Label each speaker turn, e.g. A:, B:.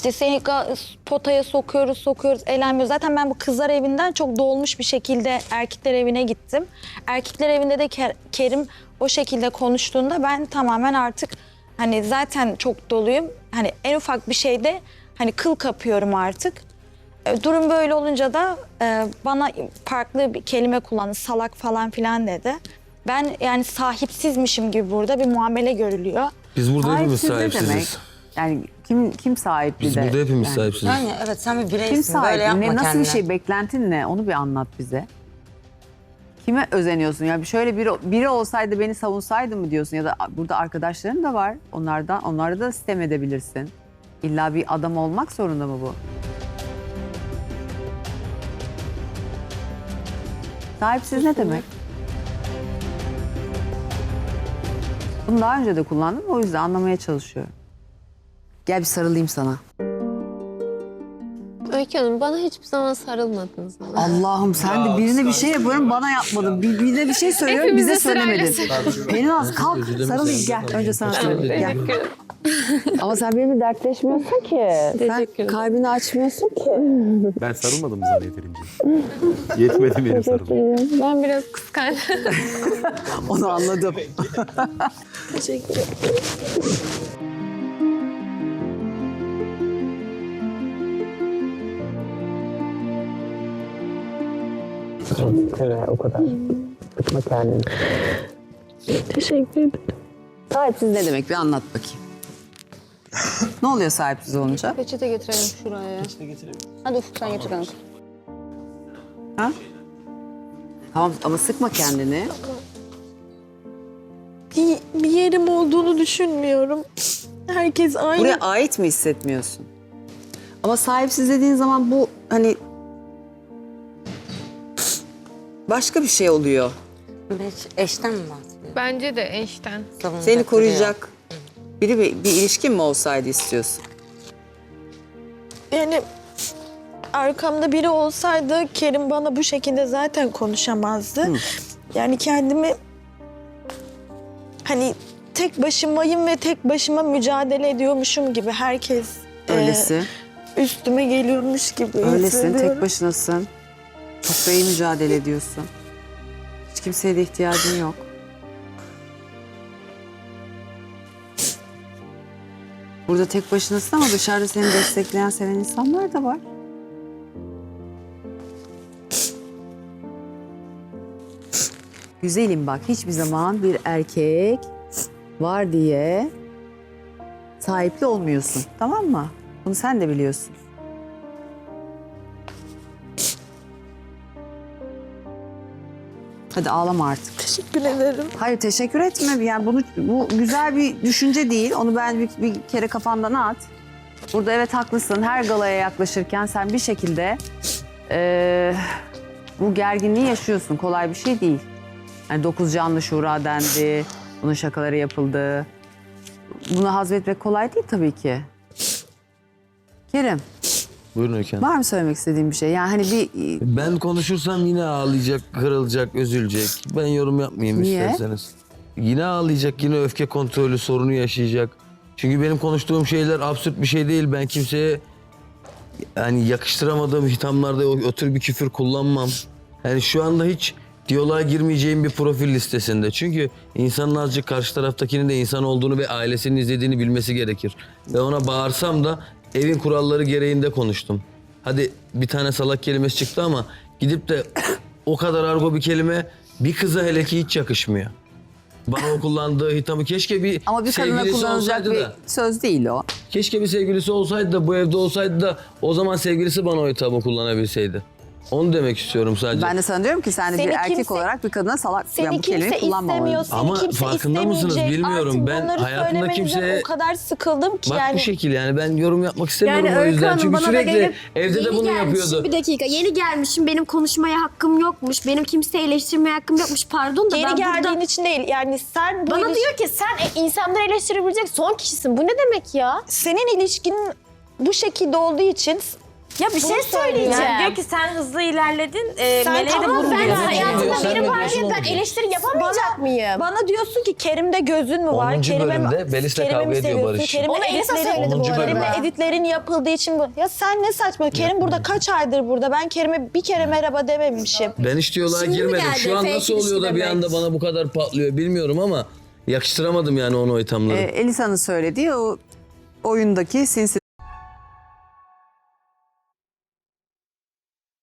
A: İşte seni potaya sokuyoruz, eğlenmiyoruz. Zaten ben bu kızlar evinden çok dolmuş bir şekilde erkekler evine gittim. Erkekler evinde de Kerim o şekilde konuştuğunda ben tamamen artık hani zaten çok doluyum. Hani en ufak bir şeyde hani kıl kapıyorum artık. Durum böyle olunca da bana farklı bir kelime kullandı, salak falan filan dedi. Ben yani sahipsizmişim gibi burada bir muamele görülüyor.
B: Biz burada hepimiz
C: Sahipsiz ne demek?
B: sahipsiziz.
C: Yani kim sahipli
B: Biz
C: de?
B: burada hepimiz
C: Yani
B: sahipsiziz.
D: Yani evet sen bir
C: Kim
D: bireysin. Böyle
C: sahipli?
D: yapma
C: Nasıl
D: kendine.
C: bir şey? Beklentin ne? Onu bir anlat bize. Kime özeniyorsun? Yani şöyle biri olsaydı beni savunsaydı mı diyorsun? Ya da burada arkadaşların da var. Onları da sitem edebilirsin. İlla bir adam olmak zorunda mı bu? Sahipsiz ne demek? Bunu daha önce de kullandım. O yüzden anlamaya çalışıyorum. Gel bir sarılayım sana.
E: Öykü Hanım bana hiçbir zaman sarılmadınız. Ama.
C: Allah'ım sen de birine bir şey yapıyorum bana yapmadın. Birine bir şey söylüyorum
E: Hepimize
C: bize söylemedin.
E: sırayla
C: Pelinaz kalk sarılayım gel. Önce sana sarılayım gel. Ama sen benimle dertleşmiyorsun ki. Sen kalbini açmıyorsun ki.
F: Ben sarılmadım sana yeterince. Yetmedi benim sarılım.
E: Ben biraz kıskandım.
C: Onu anladım.
E: Teşekkür ederim.
G: O kadar. Sıkma kendini.
E: Teşekkür ederim.
C: Sahipsiz ne demek bir anlat bakayım. Ne oluyor sahipsiz olunca?
D: Peçete getirelim şuraya. Peçete getirelim. Hadi Ufuk sen getir kanka.
C: Ha? Tamam ama sıkma kendini.
A: Bir yerim olduğunu düşünmüyorum. Herkes aynı.
C: Buraya ait mi hissetmiyorsun? Ama sahipsiz dediğin zaman bu hani başka bir şey oluyor.
D: Eşten mi bahsediyorsun?
E: Bence de eşten.
D: Savunacak
C: Seni
D: biri
C: koruyacak bir ilişkin mi olsaydı istiyorsun?
A: Yani arkamda biri olsaydı Kerim bana bu şekilde zaten konuşamazdı. Yani kendimi hani tek başımayım ve tek başıma mücadele ediyormuşum gibi herkes
C: Öylesin.
A: üstüme geliyormuş gibi
C: Öylesin,
A: hissediyorum.
C: tek başınasın. Çok da iyi mücadele ediyorsun. Hiç kimseye de ihtiyacın yok. Burada tek başınasın ama dışarıda seni destekleyen, seven insanlar da var. Güzelim bak, hiçbir zaman bir erkek var diye sahipli olmuyorsun, tamam mı? Bunu sen de biliyorsun. Hadi ağlama artık.
A: Teşekkür ederim.
C: Hayır teşekkür etme. Yani bu güzel bir düşünce değil. Onu ben bir kere kafandan at. Burada evet haklısın. Her galaya yaklaşırken sen bir şekilde bu gerginliği yaşıyorsun. Kolay bir şey değil. Yani 9 canlı şura dendi. Bunun şakaları yapıldı. Bunu hazmetmek kolay değil tabii ki. Kerim,
B: Buyurun Öykü Hanım.
C: var mı söylemek istediğin bir şey? Yani hani bir
B: Ben konuşursam yine ağlayacak, kırılacak, üzülecek. Ben yorum yapmayayım
C: Niye?
B: isterseniz. Yine ağlayacak, yine öfke kontrolü sorunu yaşayacak. Çünkü benim konuştuğum şeyler absürt bir şey değil. Ben kimseye yani yakıştıramadığım hitamlarda o tür bir küfür kullanmam. Yani şu anda hiç diyaloğa girmeyeceğim bir profil listesinde. Çünkü insanın azıcık karşı taraftakinin de insan olduğunu ve ailesinin izlediğini bilmesi gerekir. Ve ona bağırsam da evin kuralları gereğinde konuştum. Hadi bir tane salak kelimesi çıktı ama gidip de o kadar argo bir kelime bir kıza hele ki hiç yakışmıyor. Bana o kullandığı hitamı keşke bir
C: ama bir kadına
B: sevgilisi
C: kullanılacak
B: olsaydı
C: bir
B: da.
C: söz değil o.
B: Keşke bir sevgilisi olsaydı da bu evde olsaydı da o zaman sevgilisi bana o hitabı kullanabilseydi. Onu demek istiyorum sadece.
C: Ben de sana diyorum ki sen de
A: Seni
C: bir erkek
A: kimse-
C: olarak bir kadına salak
A: Seni
C: yani bu kelimeyi
A: kimse
C: kullanmamalı.
A: istemiyor, seni
B: Ama
A: kimse
B: farkında mısınız
A: istemeyecek.
B: bilmiyorum.
A: Artık
B: Ben
A: bunları
B: hayatımda
A: söylemenizden
B: kimseye-
A: o kadar sıkıldım ki
B: Bak
A: yani.
B: bu şekil yani ben yorum yapmak istemiyorum
H: Yani
B: o
H: Öykü
B: yüzden.
H: Hanım
B: Çünkü
H: bana da
B: sürekli
H: gelip
B: evde de
H: yeni
B: bunu
H: gelmişim,
B: yapıyordu.
H: bir dakika yeni gelmişim benim konuşmaya hakkım yokmuş. Benim kimseyi eleştirmeye hakkım yokmuş. Pardon da
A: Geri
H: ben
A: geldiğin
H: burada...
A: için değil yani sen bu
H: Bana diyor ki sen insanları eleştirebilecek son kişisin. Bu ne demek ya?
A: senin ilişkinin bu şekilde olduğu için
H: Ya bir şey söyleyeceğim.
I: Yani diyor ki sen hızlı ilerledin. Meleğe de
H: Ama
I: vurun
H: ben
I: diyor.
H: hayatımda
B: Sen
H: biri
B: ne
H: var
B: diyorsun
H: diye ben
B: onu?
H: eleştiri yapamayacak mıyım?
A: Bana diyorsun ki Kerim'de gözün mü var?
B: 10.
A: Kerim'e
B: bölümde Melis'le
A: Kerim'i
B: kavga
A: mi
B: ediyor
A: seviyorsun?
B: Barış.
A: Kerim'e
H: Onu Elisa
A: editlerin,
H: söyledi bu
B: 10.
H: arada.
B: bölümde.
A: Kerim'le editlerin yapıldığı için bu. Ya sen ne saçma? Kerim burada kaç aydır burada? Ben Kerim'e bir kere merhaba dememişim.
B: Ben hiç diyaloğa
H: Şimdi mi
B: girmedim.
H: geldi
B: Şu an
H: fake
B: nasıl oluyor da bir
H: ilişki
B: anda bana bu kadar patlıyor bilmiyorum ama yakıştıramadım yani onu o ithamları.
C: Elisa'nın söylediği o oyundaki sinsi